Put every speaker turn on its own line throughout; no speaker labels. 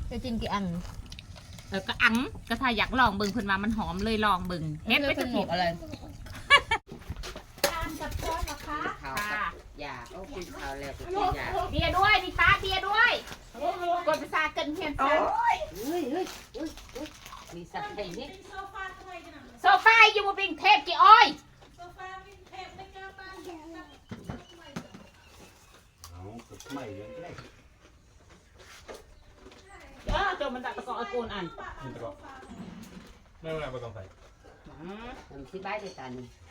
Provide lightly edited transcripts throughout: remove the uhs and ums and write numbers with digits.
จะกินกี่อัน
ก็อังก็ถ้าอยากลองเบิ่งเพิ่นว่ามันหอมเลยลองเบิ่งเฮ็ดไปจะผิด
อะไร
ทานกับช้อนนะคะ
ค่ะ
อย่าโอ้กินข้าวแล้วก็กินยา
เบียร์ด้วยดิป้าเบียร์ด้วยกดภาษาเกินเพียนซะ
เฮ้ยมีสัตว์ไทยนี่
โซฟาทำไมกัน
โซฟาอยู่บนบิงเทพกี่อ้อย
โซฟาวินเทจไม่กล้าบ้าน
เอาไม่เลี้ยงได้
จนมันตัดตะกอโกนอัน
นี่ตะกอไม่เป็นไรไม่ต้องใส่
ทำที่บ้านด้วยกัน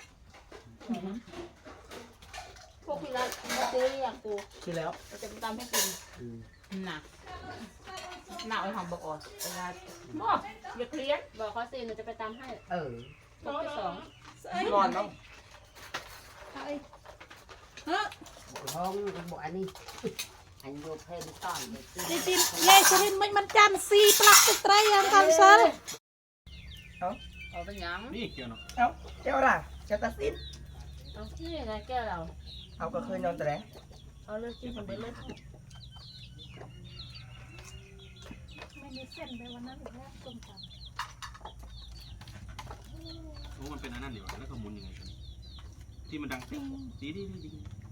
พวกพี่รักมาซื้ออย่างกู
คือแล้ว
เราจะไปตำให้กิน
น่ะหน้าไอ้หอมบอกอ่อนเวลาอย่าเครียด
บอกเขาสิหนูจะไปตำให้
เออ
พวกที่สอง
นอนต้อง
ห้องบอกอันนี้อันโยเพนต้อนเลย
ดิจิเย่ชรินมันจันซีปลักติดไตรยังกันเซอร์
เอาเป็นยัง
นี่เกี่ยวเนาะ
เอ้าเจ้าล่ะเจ้าตัดสิน
เอาที่ไงแก้วเรา
เอาก็เคยนอนแต่แรก
เอาเลือดกินคนเดียวเลย
ไม่มีเส้นไปวันนั้นอีกแล้วต้มตำ
โอ้มันเป็นอันนั้นดีกว่าแล้วก็หมุนยังไงกันที่มันดังติ๊งดี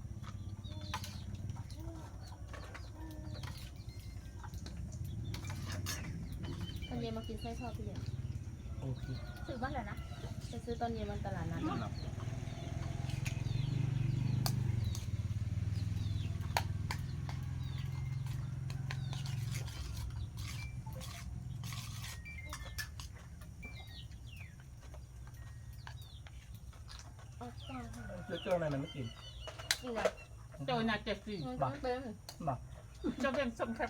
ตอนเย็นมากินไส้ทอดพี่เลี้ยง
โอเค
ซื้อบ้านแหละนะไปซื้อตอนเย็นมันตลาดนัด
สำหรับ
เอาต่อค่ะ
เจ้าอะไรมันไม่กิน
กินอะไร
โจยน่าเจ็บสิ
มันต้องเป็น
จะเป็นสมแคบ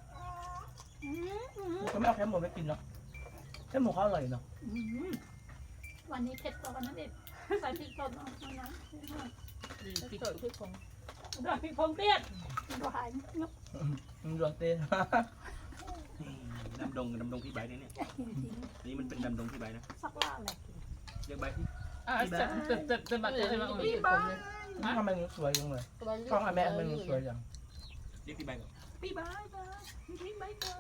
ก็ไม่เอาแค่หมูไม่กินหรอกแค่หมูเขาอร่อยเนาะ
วันนี้เผ็ดกว่าวันนั้นอีกใส่พริกป่นเอานะ
ติดตัวที่คง
ด้วยพริกพงเตี้ยนดูหายงบ
มันรวนเต้
ดำดงพี่ใบเนี่ยนี่มันเป็นดำดงพี่ใบนะ
สักล่าแหละ
เรียกใบที่
จะแบบจะมา
พี่บ้า
ทำไมมันสวยจังเลย
ตัว
กล้องแม่มันสวยจัง
เรียกพี่ใบก่อน
พี่บ้าบ้าพี่ไม่เจอ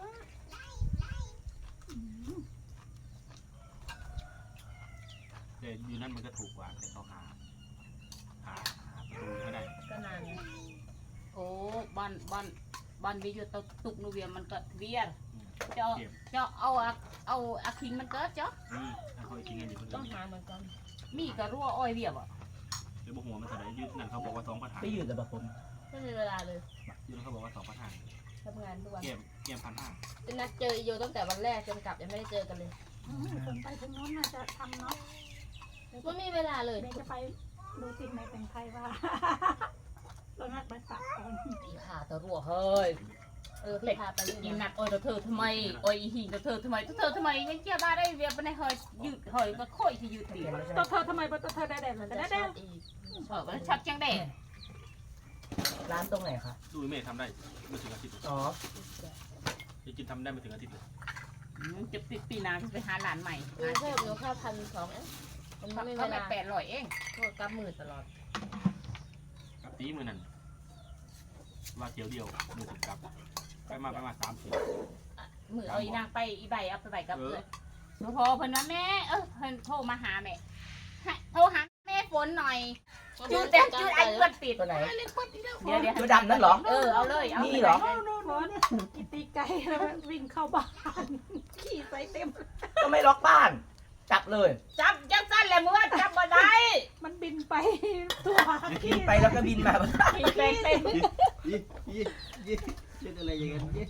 แต่อยู่นั่นมันก็ถูกกว่าแต่เขาหาประตูไม่ได้
ก็นาน
โอ้บ้านวิวตุกนูเวียมันก็เวียเจ้าเอาอาคิงมันเกิดจ้ะ
นี่ถ้าเขากินกันอยู่คน
ต้อง
เดียว
หาเหมือนกัน
มีกระรั่วอ้อยเวียบอ่ะ
เดี๋ยวบอกหัวมันเท่าไหร่ยืดนั่นเขาบอกว่า2,500
ไปยืดแต่แบบผม
ไม่มีเวลาเลย
ยืดเขาบอกว่า2,500
ทำงานทุกวัน
เกม1,500
จะนัดเจออีโยตั้งแต่วันแรกจนกลับยังไม่ได้เจอกันเลย
คนไปถึงโน้นน่าจะทำเนาะ
ไม่มีเวลาเลย
เดี๋ยวจะไปดูติดในเป็นใครว่าเรานัดไปฝากก่อน
พี่พาตัวรั่วเฮ้ยพี่พาไป
อีนักอ้อยเธอทำไมอ้อยหิงเธอทำไมยังเกี่ยวบ้าได้เวียบในเฮยยืดเฮยก็ค่อยที่ยืดดี
ตัวเธอทำไมตัวเธอได้แดดเลย
จะ
ได้
ช
แด
อ
ด
บอีก
ก็ชัดจังแดด
ร้านตรงไหนคะ
ดูเมย์ทำได้ไม่ถึงอาทิตย์
อ๋อ
จะกินทำได้ไม่ถึงอาทิตย์เลย
จะปีนาไปหาหลานใหม่
เพิ่มหนูค่า1,200เองมันไม่มี
เขา
เว
ไป
ลา
800เอง
โทษกับมือตลอด
กับตีมือนั่นว่าเที่ยวเดียวมือถึงกับไปมา30
มือเอาอีนางไปอีใบเอาไปใบกับเลยพอเพิ่นว่าแม่เพิ่นโทรมาหาแม่โทรหาแม่ฝนหน่อยจุดไอ้เลือดติด
ตัวไหน
เดี๋ยว
ตัวดำนั่นเหรอ
เอาเลยเอา
นี่เหรอ
ร้อนกิตีไก่แล้ววิ่งเข้าบ้านขี่ใส่เต็ม
ก็ไม่ล็อกบ้าน จับเลย
จับจังสั้นแหละมือจับบ่ได้
มันบินไปตัว
บินไปแล้วก็บินมา
ขี่เป็นเป็น
ยี่เล่นอะไรอย่างเงี้ย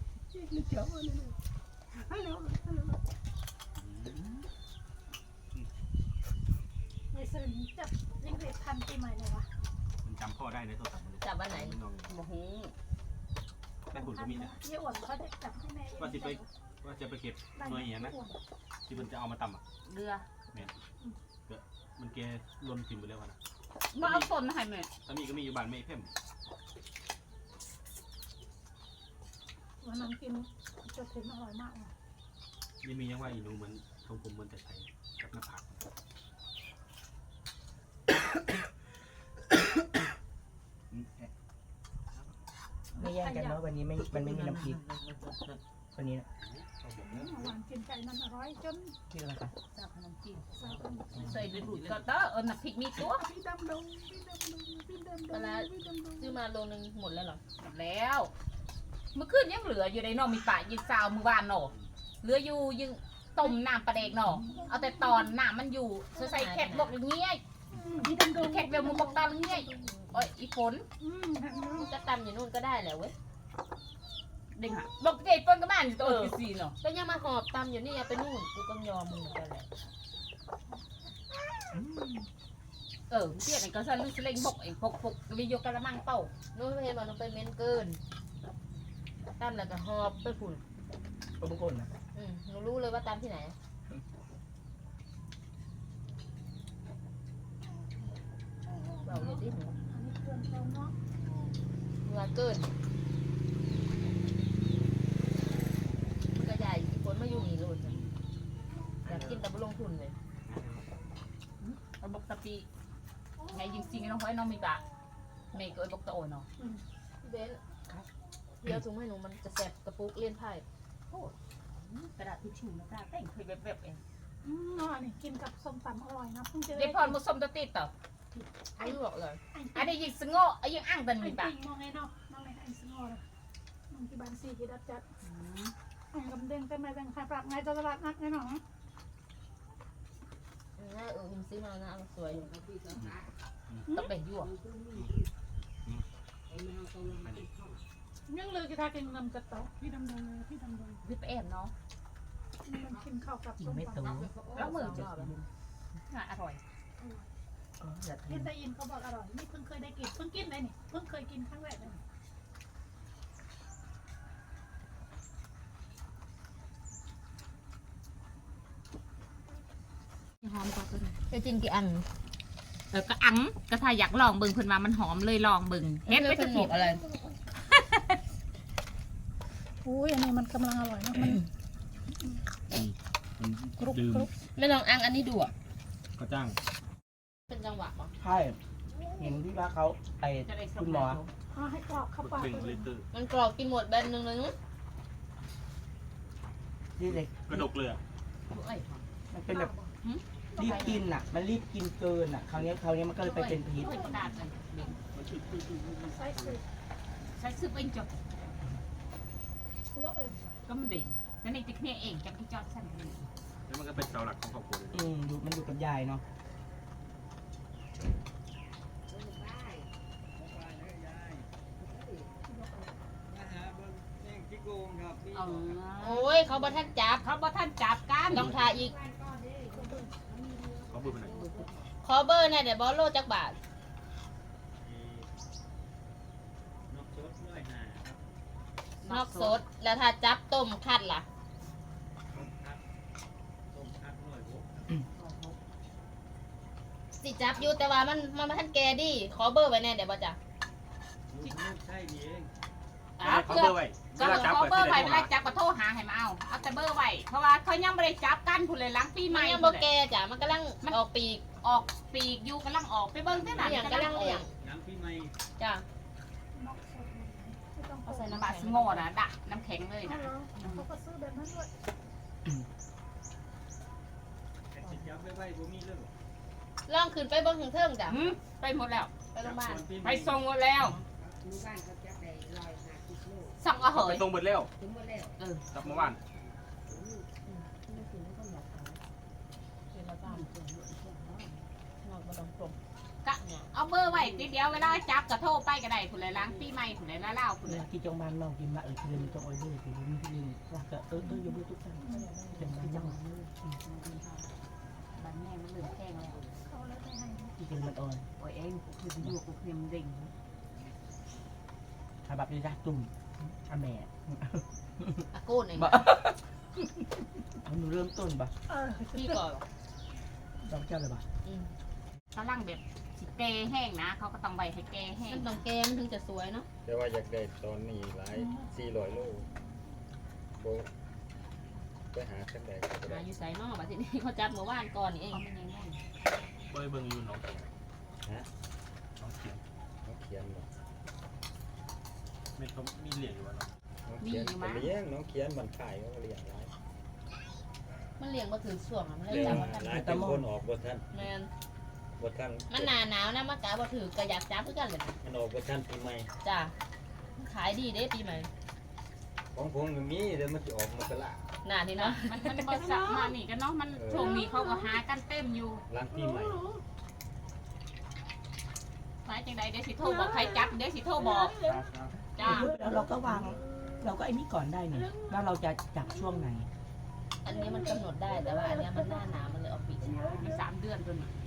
ไม่ซื้อจับยิ่งเรียกทันปีใหม่เลยวะ
มันจำพ่อได้ในโทรศัพท์มัน
จับวันไหน
โอ้โห
ได้บุญก็มีนะ
ยี่อ้วนเขาได้จับให้แม่
ว่าจะไปเก็บหน่วยเหี้ยนะที่มันจะเอามาตำอ่ะ
เรือ
มันแกรวมถิ่มไปแล้วนะ
มาเอาต้นมาให้แม่
ถ้ามีก็มีอยู่บ้านไม่เพิ่ม
วันนั้นกินจะถึงอร่อยมากเลย
นี่มียังว่าอีหนูเหมือนทรงผมเหมือนแต่ไทยกับหน้าผาก
ไม่แย่งกันเนาะวันนี้มันไม่มีน้ำพริกตัวนี้นะ
หวานกินไก่มันอร่อยจน
ที่อะไรคะ
จับขนมจีน
สาวคน
ใส่ดูดก็เตอน้ำพริกมีตัว
พี่ดำดงพี่ดำดงพี่ดำดงพี่ดำดง
ซื้อมาโลนึงหมดแล้วเหรอ
หมดแล้วเมื่อคืนยังเหลืออยู่ในนอมีป่ายิงซาวมือวานหนอเหลืออยู่ยังต้มน้ำปลาเด็กหนอเอาแต่ตอนน้ำมันอยู่ใส่แคทบอกอย่างเงี้ย
พี่ดำดง
แคทเวลมึงบอกตอนเงี้ยโอ้ยอีฝน
จะตำอยู่นู่นก็ได้แหละเว้ย
เด้งหะบอกเด็กเปิ้ลก็บ้านอยู่ตัวกี่ซีเนาะ
ก็ยังมาหอบตำอยู่นี่เอาไปนู่นกูก็ยอมมึงเหมือนกันแหละ
เตี้ยไหนก็สั่นลูกเล่งบกเองพกวิโยกระมังเป่า
นู่นไม่เห็นว่าน้องไปเม้นเกินตำแล้วก็หอบไปฝุ่น
ตัวบุคคลนะ
หนูรู้เลยว่าตำที่ไหนเราอยู่ที่หนู
อันนี้เครื่องเขาเนาะ
เมื่อเกินมันก็ใหญ่อีกคนมาอยู่นี่เลยอยากกินแต่ไม่ลงทุนเลย
เอาบกตะปีไงยิงซิงน้องห้อยน้องมีปะเมย์ก็ไอ้บกตะโอนเนาะ
พี่เบนเดี๋ยวถุงให้หนูมันจะแสบกระปุกเลี่ยนไพ่
กระดาษทิชชู่นะจ้าแต่งเคยแบบเอง
เนาะนี่กินกับส้มตำอร่อยนะเพิ่งจะ
เด็กพรมุสมตะติดต่อ
ไม่บอกเลย
อันนี้ยิงสงอไอ้ยิงอ่างตัน
ไอ้
มีปะ
ปิงมองไงเนาะมองไงไอ้สงอเลยมันที่บ้านซีที่ดับจัดไอ้กำเด้งแต่ไม่แบ่งใครปรับไงตลาดนัดไงเนาะ
น่าหิมซื้อมานะสวยอยู่
ต้องแบ่งยั่ว
ยังเลยกีทากินนำกระต๊อกพี่ดำดงพี่ดำดง
วิปแอมเนาะ
มันกินข้าวกับ
กิน
ส้ม
ไม่
ตำ
ตู
แล้วมือจะอร่อย
อยาก
เห็
กิ
น
น
ได้ยินเขาบอกอร่อยนี่เพิ่งเคยได้กินเพิ่งกินเลยนี่เพิ่งเคยกินครั้งแรกเลย
หอมกว่าตัวนี้จะกินกี่อัน
ก็อังก็ถ้าอยากลองเบิ่งเพิ่นว่ามันหอมเลยลองเบิ่งเฮ็ดไปจะหมกอะไร
อุ้ยอันนี้มันกำลังอร่อยนะมัน
มัน
กรุบ
ดื่ม
กรุบ
ไม่ลองอังอันนี้ดูอ่ะ
ก็จ้าง
เป็นจังหวะปะ
ใช่เห็นที่ว่าเขาไอ้คุณหมอ
เอาให้กรอบเข้าปาก
เบ่ง
เล
ลิ
ย
ตร
มันกรอบกินหมดแบนหนึ่งเลยนู้น
ที่เด็ก
กระดกเลยอ่ะ
มันเป็นแบบรีบกินอ่ะ มันรีบกินเกินอ่ะคราวนี้มันก็เลยไปเป็นพิษ
ใส่สูตร
ใช้ซื้อเป็นจบ
แล้วเออ
ก็มันดิ่งแล้วในติ๊กเนี่ยเองจับที่จอดสั่นเลย
แล้วมันก็เป็นเสาหลักของครอบครัวเลย
มันอยู่กับยายเนาะ
โอ้ยเขาบอท่านจับ
เขาบ่ท่านจับกัน
ต้องทาอีก
เขาพูดไปไหน
ขอเบอร์เนี่ยเดี๋ยวบอลโลจักบาทนอกสดแล้วถ้าจับต้มคัดล่ะสิจับอยู่แต่ว่ามันท่านแกดิขอเบอร์ไว้แน่เดี๋ยวบอจ้ะ
เขาเบอร์ไว้
ก็เขาเบอร์ไว้เวลาจับก็โทรหาให้มาเอาแต่เบอร์ไว้เพราะว่าเขายังไม่ได้จับกันผู้เลยล้างปีให
มั
ม่
นยังบ่แกจ้ะมันกำลังออกปีก
ออกปีกอยู่กำลังออกไปเบิ่งที่ไหน
อย่างกำลังเลี้ยงจ้ะ
นอกสดไม่ต้อง
เอาใส่
น้ำ
น้ำ
บา
แข็
ส
ง
โง่นะดะน้ำแข็งเลย
เอา
นะ
เหรอเขาก็ซื้อแบบนั้นด้วย
ล่องขึ้นไปเบนถึงเทิงจ้ะ
ไปหมดแล้ว
ไปโรงพยาบาล
ไปส่งหมดแล้วสั่งก็เห
ไป
ย
ตรงเบิดแล้วกลับมาบ้าน
เอาเบอร์ไว้ทีเดียวเวลาจับก็โทรไปก็ได้ผู้เลยล้างปีใหม่ผู้เลยละเล่าผู้
เว
เลย
ลาที่จงบ้านเรากินละคือมันจะออยด้วยคือมันที่นี่ว่าก็อย่าเบื่อทุกท่านเป็นบ้านเรา
บ้านแม่มันเหลือแข้งแล้ว
เขาแล้วไม่ให้
ที่เป็นมันออย
โอ้ยเองคืออยู่กูเพียมดิ่ง
ถ้าแบบนี้รักตุ่มอาแม่
อากูนเอง
บ่หนูเริ่มต้นบ่
พี่ก่อน
เราเจ้าเลยบ่
กำลังแบบสิเกแห้งนะเขาก็ต้องใบให้แกแห้ง
มันต้องแกมันถึงจะสวยเนาะ
แต่ว่าอยากได้ตอนนี้หลาย400 โลโบไปหาสักใดก็
หา
ได้
อยู่ใส่นอกบัดทีนี้เขาจับเมื่อวานก่อนนี่เอง
เขาไม่ง่าย
เบอร์เบิ่งอยู่น้องเขียน
ฮะ
น้องเขียน
เขาเขียนบ่
ไม่เขามีเหรียญอยู่วะเนาะ
เขียนก็เลี้ยงน้องเขียนมันขายก็เลี้ยงหลาย
มันเลี้ยงมาถึงช่วงมันเลย
เลี้ยง
จับมัน
หลายเป็นคนออกบ่ทัน
แมน
บ่ทัน
มันหนาหนาวนะมากะบ่ถือก็อยากจับเพื่อกันเลย
มันออกบ่ทันปีใหม่
จ้ามันขายดีเด้ปีใหม่
ของผมก็มีเดี๋ยวมันสิออกมกรา
หนานี่เนาะ
มันบ่สักมานี่กันเนาะมันช่วงนี้เขาก็หากันเต็มอยู่
หลังปีใหม่
หมายจังใดเดี๋ยวสิโทรบอกใครจับเดี๋ยวสิโทรบอกจ้า
แล้วเราก็วางเราก็ไอ้นี่ก่อนได้เนี่ยว่าเราจะจับช่วงไหน
อันนี้มันกำหนดได้แต่ว่าอันเนี้ยมันหน้าหนาวมันเลยออกปีช้า
มี3 เดือนตัวนี้